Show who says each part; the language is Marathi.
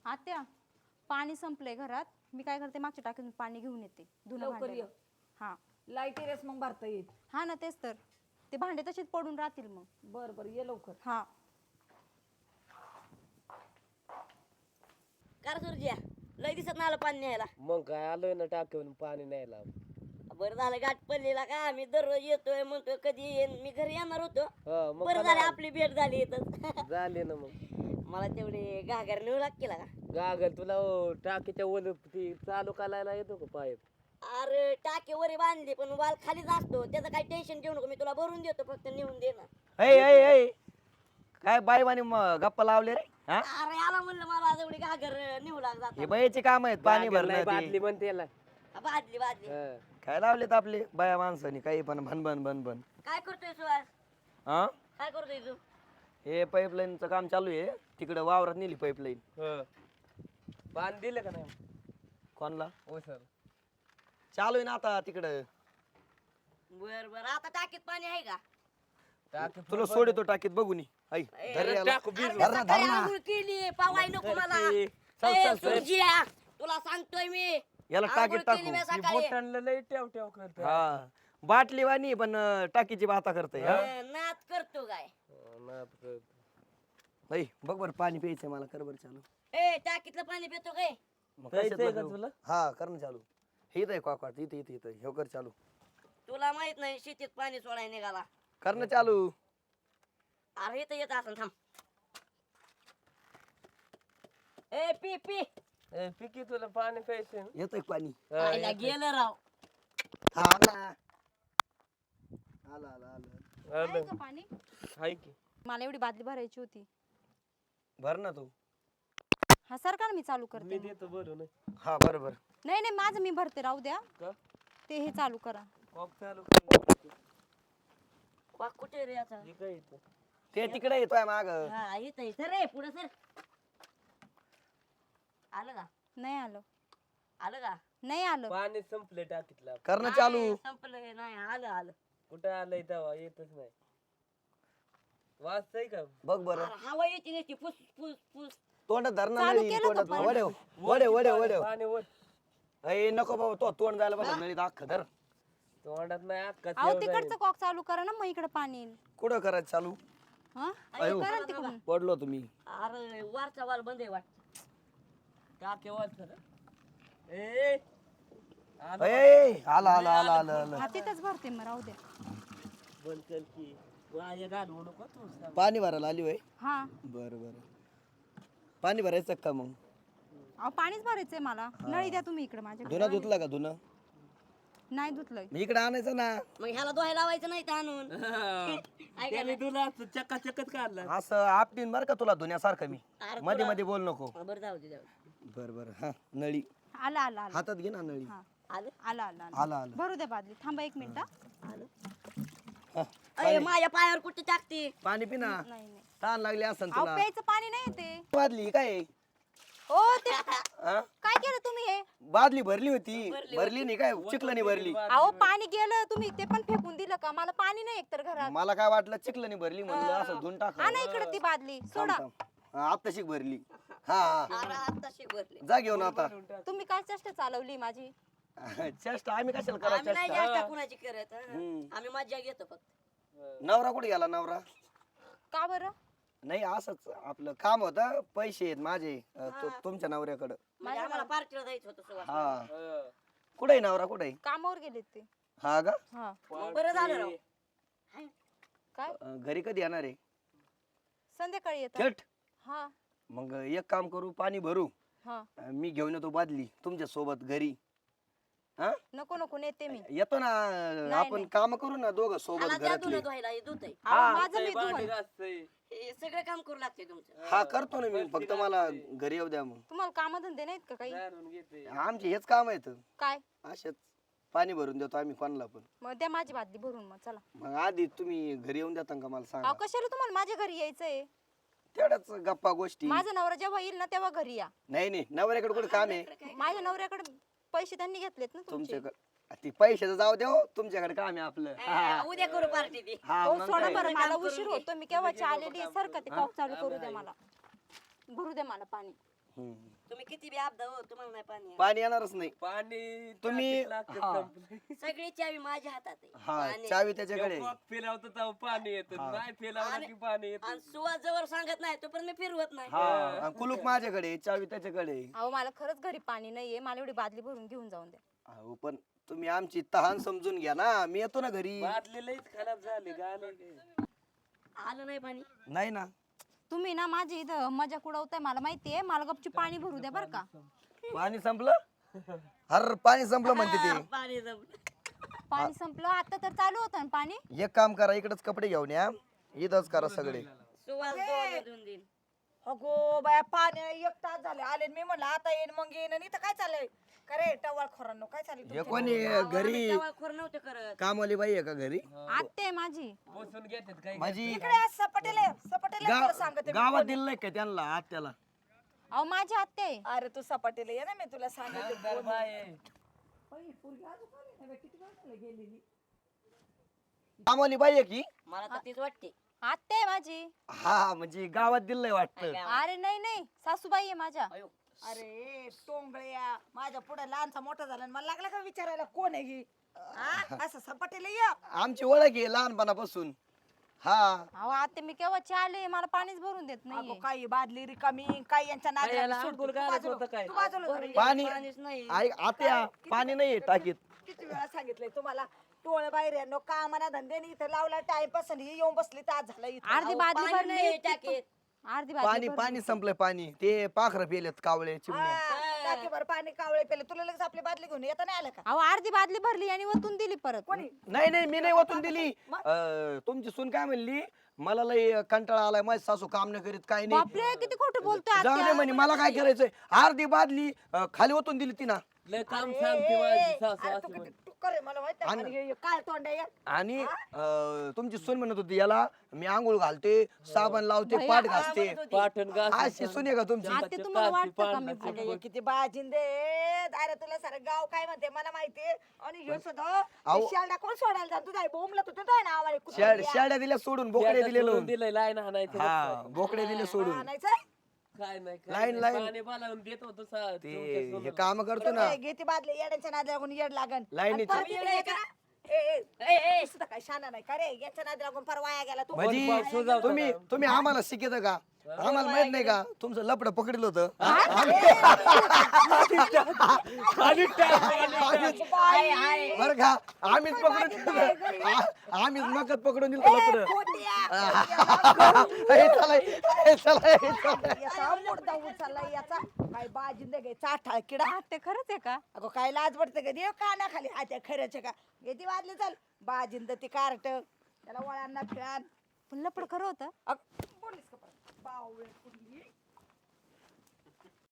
Speaker 1: आत्या पाणी संपलंय घरात. मी काय करते मागच्या टाकीतून पाणी घेऊन येते धुणं
Speaker 2: लवकर
Speaker 1: भांड्याला.
Speaker 2: ये.
Speaker 1: हा
Speaker 2: लाईट रेस मग भरता येईल.
Speaker 1: हा ना तेच तर. ते भांडे तसेच पडून राहतील मग.
Speaker 2: बर बर ये लवकर.
Speaker 1: हा
Speaker 3: कार सुरजिया लय दिसत नाही आलं पाणी न्यायला.
Speaker 4: मग काय आलोय ना टाकीवरून पाणी न्यायला.
Speaker 3: बरं झालं गाठ पडलेला का मी दररोज येतोय म्हणतोय कधी येईन मी घरी येणार होतो.
Speaker 4: हा, मग
Speaker 3: बरं झालं आपली भेट झाली इथं.
Speaker 4: झाले ना मग.
Speaker 3: मला तेवढे घागर नेऊ लागतील का.
Speaker 4: गागल तुला टाकीच्या वर ती चालू करायला येतो का पाईप?
Speaker 3: अरे टाके वरी बांधली पण वाल खालीच असतो त्याचं काही टेन्शन घेऊ नको मी तुला भरून देतो फक्त नेऊन दे ना.
Speaker 5: काय बाईवानी गप्पा लावले रे? हा
Speaker 3: अरे आला म्हणलं मला तेवढी घागर नेऊ लाग
Speaker 5: हे
Speaker 3: जात
Speaker 5: बाईचे काम आहेत पाणी
Speaker 4: गागल नाही,
Speaker 5: भरणं
Speaker 4: बादली
Speaker 5: ते.
Speaker 4: म्हणते याला.
Speaker 3: बादली बादली
Speaker 4: हा.
Speaker 5: काय लावलेत आपले बाया माणसानी काही पण भन भन
Speaker 3: काय करतोय सुहास
Speaker 5: हा
Speaker 3: काय करतोय तू.
Speaker 5: हे पाईपलाईनचं काम चालू आहे तिकडे वावरात नेली पाईपलाईन.
Speaker 4: हा. पाणी दिलं का नाही?
Speaker 5: कोणला
Speaker 4: हो सर.
Speaker 5: चालू आहे ना आता तिकडं.
Speaker 3: बर बर आता टाकीत पाणी आहे का.
Speaker 4: टाकी
Speaker 5: तुला सोडतो टाकीत बघून ये. आई धर याला.
Speaker 4: टाकू बीज.
Speaker 3: अरे
Speaker 5: धर ना,
Speaker 3: सकाळी
Speaker 5: धर ना.
Speaker 3: आंघोळ केली पावाय नको मला.
Speaker 5: चल,
Speaker 3: ए,
Speaker 5: चल, चल.
Speaker 3: सुरजिया, तुला सांगतोय मी
Speaker 5: याला
Speaker 3: आंघोळ
Speaker 5: टाकीत
Speaker 3: केली मी
Speaker 5: टाकू.
Speaker 3: सकाळी.
Speaker 4: बोटांना लय ठेव ठेव करते.
Speaker 5: हा बाटली वाणी पण टाकीची बाता करते. हा
Speaker 3: नाच करतो काय.
Speaker 5: आई बघ बर पाणी प्यायचंय मला कर बर चालू.
Speaker 3: ए टाकीतलं पाणी पितो काय.
Speaker 5: मग
Speaker 4: प्यायचंय
Speaker 5: कशात
Speaker 4: का
Speaker 5: बघू?
Speaker 4: तुला?
Speaker 5: हा कर ना चालू. हे इथं आहे कॉकवाट इथे इथे इथं हे कर चालू.
Speaker 3: तुला माहित नाही शेतीत पाणी सोडाय निघाला.
Speaker 5: कर ना चालू.
Speaker 3: अरे इथं येत असं थांब. ए पी पी
Speaker 4: ए, पिकी तुला पाणी प्यायचंय ना?
Speaker 5: येतंय पाणी.
Speaker 4: हा,
Speaker 3: आईला गेलं राव.
Speaker 5: थांब ना. आलं आलं आलं.
Speaker 4: आलं.
Speaker 1: आहे का पाणी?
Speaker 4: हाय की.
Speaker 1: मला एवढी बादली भरायची होती.
Speaker 5: भर ना तू.
Speaker 1: हा सरकार मी चालू
Speaker 4: मी
Speaker 1: करते मग.
Speaker 4: देतो भरून.
Speaker 5: हा बरोबर.
Speaker 1: नाही नाही माझं मी भरते राहू द्या.
Speaker 4: का?
Speaker 1: ते हे चालू करा.
Speaker 4: कॉक चालू कर.
Speaker 3: वाघ कुठे रे याचा.
Speaker 4: हे काय इथं?
Speaker 5: ते तिकडे येतोय माग.
Speaker 3: हा इथं इथं रे पुढे सर. आलं का
Speaker 1: नाही आलं.
Speaker 3: आलं का.
Speaker 1: नाही आलं.
Speaker 4: पाणी संपले टाकीतला.
Speaker 5: कर ना चालू.
Speaker 3: नाही, संपलं नाही आलं आलं.
Speaker 4: कुठं आलंय तेव्हा येतच नाही. वाचतय का?
Speaker 5: बघ बर.
Speaker 3: अरे हवा येते नसती फुस फुस फुस.
Speaker 5: तोंडात धरणं
Speaker 1: चालू
Speaker 5: नाही
Speaker 1: केलं का
Speaker 5: तोंडात
Speaker 1: पण?
Speaker 5: वडेव वडेव वडेव वडेव.
Speaker 4: पाणी वर
Speaker 5: अय नको बाबा तो तोंड जायला पाहिजे नळीत अख्खं धर.
Speaker 4: तोंडात नाही अक्का
Speaker 1: अहो तिकडचं कॉक चालू करा ना मग इकडे पाणी येईल.
Speaker 5: कुठं करायचं चालू?
Speaker 1: हा
Speaker 5: अयो.
Speaker 1: करा ना तिकडून.
Speaker 5: पडलो तुम्ही.
Speaker 3: अरे वरचा वाल बंद आहे वाट.
Speaker 4: टाके वाचत. ए
Speaker 5: अय आला आला आला आला आला.
Speaker 1: हा तिथंच भरते मग राहू द्या.
Speaker 4: बंद कर की. वाया घालवू नको तू.
Speaker 5: पाणी भरायला आली वय.
Speaker 1: हा
Speaker 5: बर बर. पाणी भरायचं का मग?
Speaker 1: अहो पाणीच भरायचंय मला. नळी द्या तुम्ही इकडे माझ्याकडे.
Speaker 5: धुना धुतला का धुना?
Speaker 1: नाही धुतलंय.
Speaker 5: मी इकडे आणायचं ना.
Speaker 3: मग ह्याला दोहायला लावायचं नाही तर आणून. ऐका
Speaker 4: त्याने तुला चक्का चक्कच काढला.
Speaker 5: असं आपटीन बर का तुला धुण्यासारखं मी.
Speaker 3: अरे
Speaker 5: मध्ये मध्ये बोल नको.
Speaker 3: ना. बरं जाऊ दे जाऊ दे.
Speaker 5: बर बर. हा नळी
Speaker 1: आला आला आला.
Speaker 5: हातात घे ना नळी.
Speaker 1: हा
Speaker 3: आलं
Speaker 1: आला आला आला.
Speaker 5: आला आला.
Speaker 1: भरू द्या बादली. थांबा एक मिनिट हा.
Speaker 3: आलं.
Speaker 5: हा,
Speaker 3: अरे माझ्या पायावर कुठे टाकते.
Speaker 5: पाणी पिना.
Speaker 1: नाही नाही.
Speaker 5: ताण लागली असन
Speaker 1: अहो
Speaker 5: तुला.
Speaker 1: प्यायचं पाणी नाही येते.
Speaker 5: बादली काय?
Speaker 1: ओ ते
Speaker 5: हा?
Speaker 1: काय केलं तुम्ही हे.
Speaker 5: बादली भरली होती. भरली नाही काय चिखलानी भरली.
Speaker 1: अहो पाणी गेलं तुम्ही ते पण फेकून दिलं का. मला पाणी नाही एकतर घरात.
Speaker 5: मला काय वाटलं चिखलानी भरली म्हणलं असं धुवून टाक.
Speaker 1: हा ना इकडे ती बादली सोडा.
Speaker 5: आत्ताशी भरली. हा हा.
Speaker 3: अरे आता शिकवले.
Speaker 5: जा घेऊन आता.
Speaker 1: तुम्ही काय चेष्टा चालवली माझी.
Speaker 5: चेष्टा आम्ही कशाला
Speaker 3: आम्ही
Speaker 5: करायचं
Speaker 3: नाही
Speaker 5: चेष्टा?
Speaker 3: जास्त कुणाची करत हं. आम्ही मज्जा घेतो फक्त.
Speaker 5: नवरा कुठे गेला नवरा?
Speaker 1: का बरं.
Speaker 5: नाही असंच आपलं काम होतं. पैसे आहेत माझे तुमच्या नवऱ्याकडं.
Speaker 3: म्हणजे आम्हाला पार्टीला जायचं होतं सुवास.
Speaker 5: हा कुठे आहे नवरा कुठे आहे?
Speaker 1: कामावर गेलेत ते.
Speaker 5: हा का?
Speaker 1: हा
Speaker 3: मग बरं झालं राव. हाय.
Speaker 1: काय
Speaker 5: घरी कधी येणार आहे?
Speaker 1: संध्याकाळी येतात.
Speaker 5: थेट
Speaker 1: हा
Speaker 5: मग एक काम करू पाणी भरू.
Speaker 1: हा
Speaker 5: मी घेऊन येतो बादली तुमच्या सोबत घरी. हा
Speaker 1: नको नको नेते मी.
Speaker 5: येतो ना. आपण काम करू ना दोघं सोबत
Speaker 3: ह्याला द्या
Speaker 5: घरातले.
Speaker 3: धुणं धुवायला हे धुतंय.
Speaker 1: अहो, माझं मी
Speaker 4: भांडी
Speaker 1: धुवून.
Speaker 4: घासतंय.
Speaker 3: हे सगळं काम करू लागते तुमचं.
Speaker 5: हा करतो ना मी फक्त मला घरी येऊ द्या मग.
Speaker 1: तुम्हाला कामधंदे नाहीत का काही.
Speaker 4: दारून घेते.
Speaker 5: आमचे हेच काम आहेत.
Speaker 1: काय
Speaker 5: असेच पाणी भरून देतो आम्ही कोणाला पण.
Speaker 1: मग द्या माझी बादली भरून मग चला.
Speaker 5: मग आधी तुम्ही घरी येऊन देता का मला सांगा.
Speaker 1: अहो कशाला तुम्हाला माझ्या घरी यायचंय.
Speaker 5: तेवढ्याच गप्पा गोष्टी.
Speaker 1: माझा नवरा जेव्हा येईल ना तेव्हा घरी या.
Speaker 5: नाही नाही नवऱ्याकडे कुठे काम आहे?
Speaker 1: माझ्या नवऱ्याकडे पैसे त्यांनी घेतलेत ना तुमचे.
Speaker 5: तुमच्याकडे ती पैशाचं जाऊ द्या हो. तुमच्याकडे काम आहे आपलं.
Speaker 3: उद्या करू पार्टी ती.
Speaker 5: हा
Speaker 1: हो
Speaker 5: मग
Speaker 1: सोडा
Speaker 5: काय?
Speaker 1: बरं मला उशीर होतो. मी केव्हाची आलेली आहे. सारखं ते कॉक चालू करू द्या मला. भरू द्या मला पाणी.
Speaker 3: तुम्ही किती बी आपदा हो तुम्हाला नाही पाणी आहे.
Speaker 5: पाणी येणारच नाही
Speaker 4: पाणी
Speaker 5: तुम्ही-
Speaker 4: टाकीत
Speaker 5: हा.
Speaker 4: संपलंय.
Speaker 3: सगळी चावी माझ्या हातात आहे
Speaker 5: हा
Speaker 3: पाणी-
Speaker 5: चावी त्याच्याकडे
Speaker 4: जेव्हा फिरवतो तेव्हा पाणी येतं
Speaker 5: हा.
Speaker 4: नाही फिरवलं
Speaker 3: आणि-
Speaker 4: की पाणी येतं
Speaker 3: आणि सुवास जवळ सांगत नाही तो पण मी फिरवत नाही
Speaker 5: हा आणि कुलूप माझ्याकडे चावी त्याच्याकडे
Speaker 1: अहो मला खरंच घरी पाणी नाहीये, मला एवढी बादली भरून घेऊन जाऊन द्या.
Speaker 5: अहो पण तुम्ही आमची तहान समजून घ्या ना, मी येतो ना घरी.
Speaker 4: बादली लईच खराब झाली गाणं
Speaker 3: आलं नाही पाणी
Speaker 5: नाही ना
Speaker 1: तुम्ही ना माझी इथं मजा उडवताय, मला माहितीये. मला गपची पाणी भरू द्या बरं का.
Speaker 5: पाणी संपलं. हर पाणी संपलं म्हणते ते.
Speaker 3: पाणी जमलं
Speaker 1: पाणी संपलं आता तर चालू होतं ना पाणी.
Speaker 5: एक काम करा, इकडच कपडे घेऊन या, इथंच करा सगळे.
Speaker 3: सुवास दोन दिन
Speaker 2: अगो बाया पाणी 1 तास झाले आले मी म्हणलं आता येईन मग येईन आणि इथं काय चाललंय करे टवाळ खोरांनो काय चाललंय
Speaker 5: हे
Speaker 2: तुमच्या?
Speaker 5: कोणी घरी
Speaker 3: खोर नव्हते करत
Speaker 5: कामवाली बाई आहे का घरी?
Speaker 1: आत्ते आहे माझी.
Speaker 4: बसून घेतात काय
Speaker 5: माझी
Speaker 2: इकडे आज सपाटेला सांगते मी
Speaker 5: गावात
Speaker 2: कोण
Speaker 5: दिलं नाही का त्यांना आत्याला?
Speaker 1: अहो माझी आत्ते आहे.
Speaker 2: आहे. अरे तू सपाटेला ये ना मी तुला सांगते
Speaker 4: खासदार बाई आहे.
Speaker 5: कामवाली बाई आहे की?
Speaker 3: मला तर तीच वाटते
Speaker 1: आत्ते आहे माझी.
Speaker 5: हा म्हणजे गावात दिलंय वाटतं.
Speaker 1: अरे नाही नाही, सासूबाई आहे माझ्या.
Speaker 3: अयो
Speaker 2: अरे टोंगळ्या माझ्या पुढे लहानसा मोठा झाला आणि मला लागला का विचारायला कोण आहे ही हा? असं सपाटेला ये
Speaker 5: आमची ओळख आहे लहानपणापासून. हा
Speaker 1: अहो आत्ते मी केव्हाची आले, मला पाणीच भरून देत
Speaker 2: अगो
Speaker 1: नाहीये.
Speaker 2: काही बादली रिकामी काही यांच्या
Speaker 4: काय याला
Speaker 2: नादी
Speaker 4: अंघोळ घालत होतं काय?
Speaker 5: पाणी
Speaker 3: पाणीच नाही
Speaker 5: ऐक आत्या, पाणी नाहीये टाकीत.
Speaker 2: किती वेळा सांगितलंय तुम्हाला टोळ बाहेर यांनो कामाना धंद्याने इथं लावला टाइमपास आणि हे येऊन बसली तास झाला इथं
Speaker 1: अर्धी बादली
Speaker 3: पाणी
Speaker 1: भरली.
Speaker 3: नाही टाकीत.
Speaker 1: अर्धी
Speaker 5: पाणी
Speaker 1: बादली भरली.
Speaker 5: पाणी संपलंय पाणी. ते पाखरं पेलेत कावळे चिमण्या.
Speaker 2: टाकीभर पाणी कावळे पेले तुला लगेच आपली बादली घेऊन येता नाही आलं का
Speaker 1: अहो अर्धी बादली भरली आणि वतून दिली परत.
Speaker 2: कोणी
Speaker 5: नाही नाही मी नाही ओतून दिली. तुमची सून काय म्हणली, मला लय कंटाळा आलाय, माझी सासू काम नाही करीत काय नाही.
Speaker 1: बापरे किती खोटं बोलतोय
Speaker 5: जाऊ दे
Speaker 1: आत्या.
Speaker 5: म्हणे, मला काय करायचंय. अर्धी बादली खाली ओतून दिली तिनं.
Speaker 4: लय काम सांगते माझी सासू
Speaker 2: अरे
Speaker 4: असं
Speaker 2: तू
Speaker 4: म्हणे.
Speaker 2: किती टुक्कर आहे मला माहित
Speaker 5: आणि-
Speaker 2: आहे काय तोंड आहे
Speaker 5: आणि तुमची सून म्हणत होती याला मी आंघोळ घालते, साबण लावते, पाठ घासते.
Speaker 4: पाठण घास
Speaker 5: अशी सून आहे का तुमची?
Speaker 1: आत्या तुम्हाला वाटतं का मी
Speaker 2: अगं, हे किती बाजिंदे अरे तुला सारं गाव काय म्हणते मला माहितीये आणि हे सुद्धा
Speaker 5: अहो.
Speaker 2: शाळा कोण सोडायला जात तुझा बोंबलत होतं तो नावाने
Speaker 5: शेड्या दिल्या सोडून, बोकडे दिले लावून.
Speaker 4: दिलंय लाईन हाणायचं
Speaker 5: हा बोकडे दिले सोडून.
Speaker 4: काय नाही
Speaker 5: लाईन-
Speaker 4: काय
Speaker 5: लाईन.
Speaker 4: नाही. पाणी बोलावून देत होतो
Speaker 5: ते हे काम करतो ना,
Speaker 2: घेते बादले येड्यांच्या नादी लागून येड लागन
Speaker 5: लाईनीचं.
Speaker 2: आणि परत इकडे ये का? ए, सुद्धा काय शाना नाही का रे याच्या नादी लागून परवाया गेला तू
Speaker 5: म्हणजे
Speaker 4: पाऊस सुजावतो
Speaker 5: तुम्ही आम्हाला शिकत का? आम्हाला माहित नाही का तुमचं लपड पकडलं होतं? बर का आम्हीच पकडून दिलं. आम्हीच मकत पकडून दिलं लपड.
Speaker 2: याचा मुर्दा उचलला याचा काय बाजिंदे घे चाठाळ किडा
Speaker 1: आत्ते खरंच आहे का?
Speaker 2: अगो काय लाज वाटते का देव कानाखाली हात्या खऱ्याचे का येते वाजले चाल बाजिंद ती कार्ट त्याला वळांना फिळान
Speaker 1: पण लपड खरं होतं.
Speaker 2: बोलीस का परत? बावळे कुठली